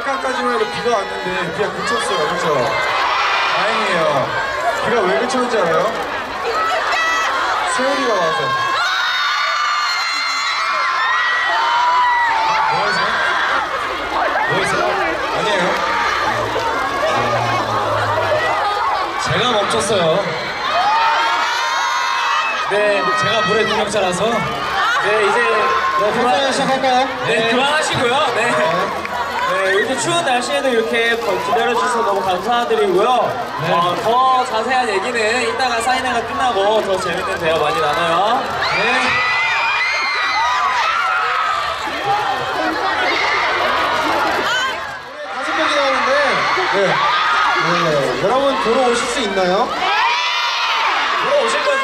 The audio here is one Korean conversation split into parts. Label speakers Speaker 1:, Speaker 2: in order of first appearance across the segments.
Speaker 1: 아까까지만 해도 비가 왔는데 비가 그쳤어요. 그렇죠? 다행이에요. 비가 왜 그쳤는지 알아요? 세월이가 와서. 뭐하세요? 아니에요.
Speaker 2: 제가 멈췄어요. 네, 제가 물의 능력자라서. 네, 이제 그만 시작할까요? 네, 그만하시고요. 네. 네, 이렇게 추운 날씨에도 이렇게 기다려주셔서 너무 감사드리고요.
Speaker 1: 네.
Speaker 2: 더 자세한 얘기는 이따가 사인회가 끝나고 더 재밌는 대화 많이 나눠요. 네.
Speaker 1: 다섯 명이 나오는데, 네. 여러분 돌아오실 수 있나요?
Speaker 2: 들어오실 거죠?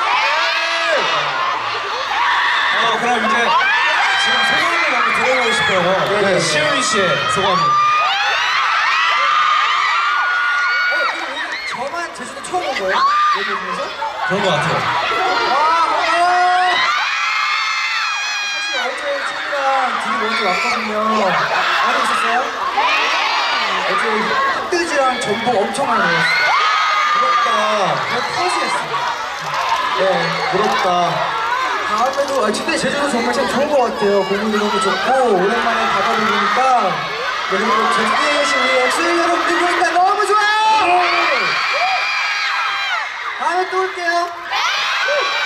Speaker 1: 그럼 이제 지금 소감을 한번 들어보고 싶어요. 네. 시우미 씨의 소감. 저만 제주도 처음 온 거예요? 여기 오면서?
Speaker 2: 그런 거 같아요.
Speaker 1: 사실 어제 친구랑 둘이 먼저 왔거든요. 안에 있었어요? 어제 흑돼지랑 전복 엄청 많이 먹었어요. 부럽다. 그냥 터지겠어. 네, 부럽다. 다음에도, 근데 제주도 정말 참 좋은 것 같아요. 공기도 너무 좋고, 오랜만에 바다를 보니까, 그리고 제주도에 계신 우리 엑소엘 여러분들 보니까 너무 좋아요! 다음에 또 올게요.